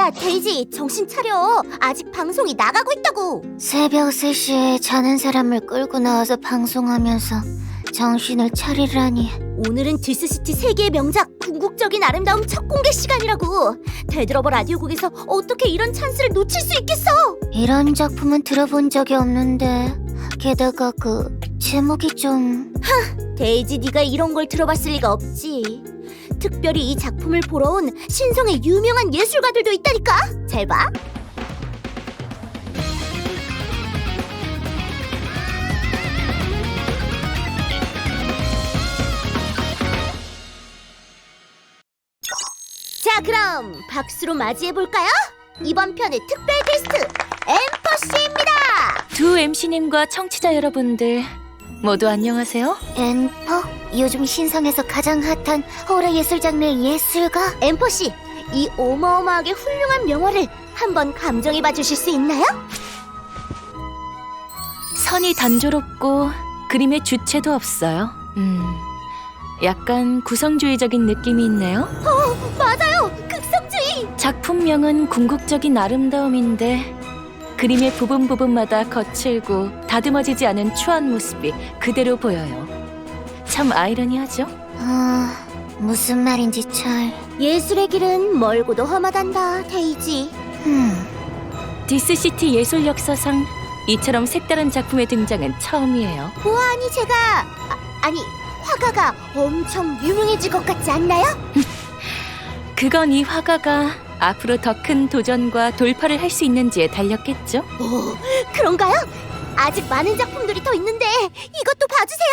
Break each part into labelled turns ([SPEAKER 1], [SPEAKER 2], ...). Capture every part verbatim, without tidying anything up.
[SPEAKER 1] 야, 데이지, 정신 차려. 아직 방송이 나가고 있다고.
[SPEAKER 2] 새벽 세 시에 자는 사람을 끌고 나와서 방송하면서 정신을 차리라니.
[SPEAKER 1] 오늘은 디스시티 세계의 명작 궁극적인 아름다움 첫 공개 시간이라고. 되들어버 라디오국에서 어떻게 이런 찬스를 놓칠 수 있겠어.
[SPEAKER 2] 이런 작품은 들어본 적이 없는데 게다가 그 제목이 좀...
[SPEAKER 1] 데이지, 네가 이런 걸 들어봤을 리가 없지. 특별히 이 작품을 보러 온 신성의 유명한 예술가들도 있다니까. 잘 봐. 자, 그럼 박수로 맞이해볼까요? 이번 편의 특별 게스트 엠퍼씨입니다.
[SPEAKER 3] 두 엠씨님과 청취자 여러분들 모두 안녕하세요.
[SPEAKER 2] 엠퍼? 요즘 신성에서 가장 핫한 호러 예술 장르의 예술가?
[SPEAKER 1] 엠퍼씨, 이 어마어마하게 훌륭한 명화를 한번 감정해봐 주실 수 있나요?
[SPEAKER 3] 선이 단조롭고 그림의 주체도 없어요. 음, 약간 구성주의적인 느낌이 있네요.
[SPEAKER 1] 어, 맞아요! 극성주의!
[SPEAKER 3] 작품명은 궁극적인 아름다움인데 그림의 부분 부분마다 거칠고 다듬어지지 않은 추한 모습이 그대로 보여요. 참 아이러니하죠?
[SPEAKER 2] 아... 무슨 말인지 잘...
[SPEAKER 1] 예술의 길은 멀고도 험하단다, 데이지.
[SPEAKER 2] 음...
[SPEAKER 3] 디스시티 예술 역사상 이처럼 색다른 작품의 등장은 처음이에요.
[SPEAKER 1] 보아하니 제가... 아, 아니, 화가가 엄청 유명해질 것 같지 않나요?
[SPEAKER 3] 그건 이 화가가 앞으로 더 큰 도전과 돌파를 할 수 있는지에 달렸겠죠?
[SPEAKER 1] 오, 그런가요? 아직 많은 작품들이 더 있는데 이것도 봐주세요.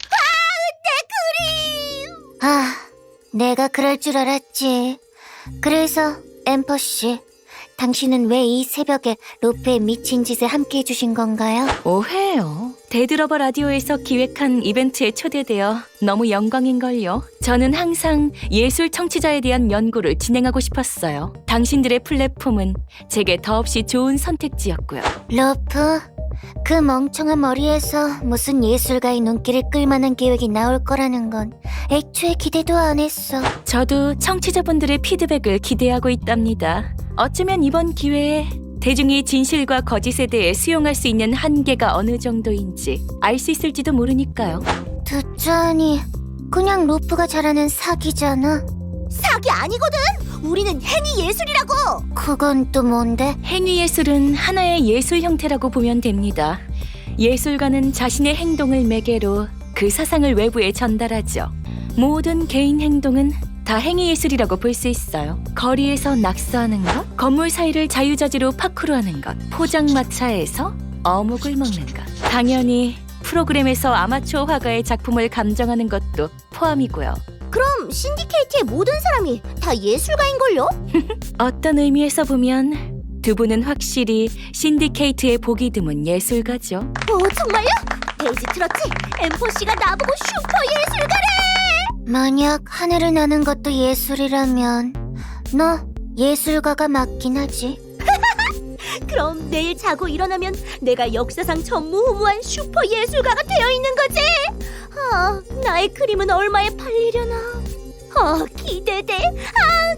[SPEAKER 1] 아, 내 그림!
[SPEAKER 2] 아... 내가 그럴 줄 알았지. 그래서 엠퍼씨, 당신은 왜 이 새벽에 로페의 미친 짓에 함께 해주신 건가요?
[SPEAKER 3] 오해요. 데드러버 라디오에서 기획한 이벤트에 초대되어 너무 영광인걸요. 저는 항상 예술 청취자에 대한 연구를 진행하고 싶었어요. 당신들의 플랫폼은 제게 더없이 좋은 선택지였고요.
[SPEAKER 2] 로프, 그 멍청한 머리에서 무슨 예술가의 눈길을 끌만한 계획이 나올 거라는 건 애초에 기대도 안 했어.
[SPEAKER 3] 저도 청취자분들의 피드백을 기대하고 있답니다. 어쩌면 이번 기회에 대중이 진실과 거짓에 대해 수용할 수 있는 한계가 어느 정도인지 알 수 있을지도 모르니까요.
[SPEAKER 2] 듣자니 그냥 로프가 잘하는 사기잖아.
[SPEAKER 1] 사기 아니거든! 우리는 행위 예술이라고!
[SPEAKER 2] 그건 또 뭔데?
[SPEAKER 3] 행위예술은 하나의 예술 형태라고 보면 됩니다. 예술가는 자신의 행동을 매개로 그 사상을 외부에 전달하죠. 모든 개인 행동은 다 행위예술이라고 볼 수 있어요. 거리에서 낙서하는 것, 건물 사이를 자유자재로 파쿠르하는 것, 포장마차에서 어묵을 먹는 것, 당연히 프로그램에서 아마추어 화가의 작품을 감정하는 것도 포함이고요.
[SPEAKER 1] 그럼 신디케이트의 모든 사람이 다 예술가인걸요?
[SPEAKER 3] 어떤 의미에서 보면 두 분은 확실히 신디케이트의 보기 드문 예술가죠.
[SPEAKER 1] 오, 정말요? 데이지 들었지? 엠포씨가 나보고 슈퍼 예술가래!
[SPEAKER 2] 만약 하늘을 나는 것도 예술이라면 너 예술가가 맞긴 하지.
[SPEAKER 1] 그럼 내일 자고 일어나면 내가 역사상 전무후무한 슈퍼 예술가가 되어 있는 거지? 아, 나의 그림은 얼마에 팔리려나? 아, 기대돼. 아,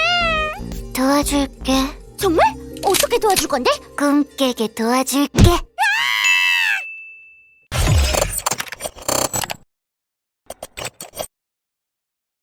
[SPEAKER 1] 긴장돼.
[SPEAKER 2] 도와줄게.
[SPEAKER 1] 정말? 어떻게 도와줄 건데?
[SPEAKER 2] 꿈 깨게 도와줄게.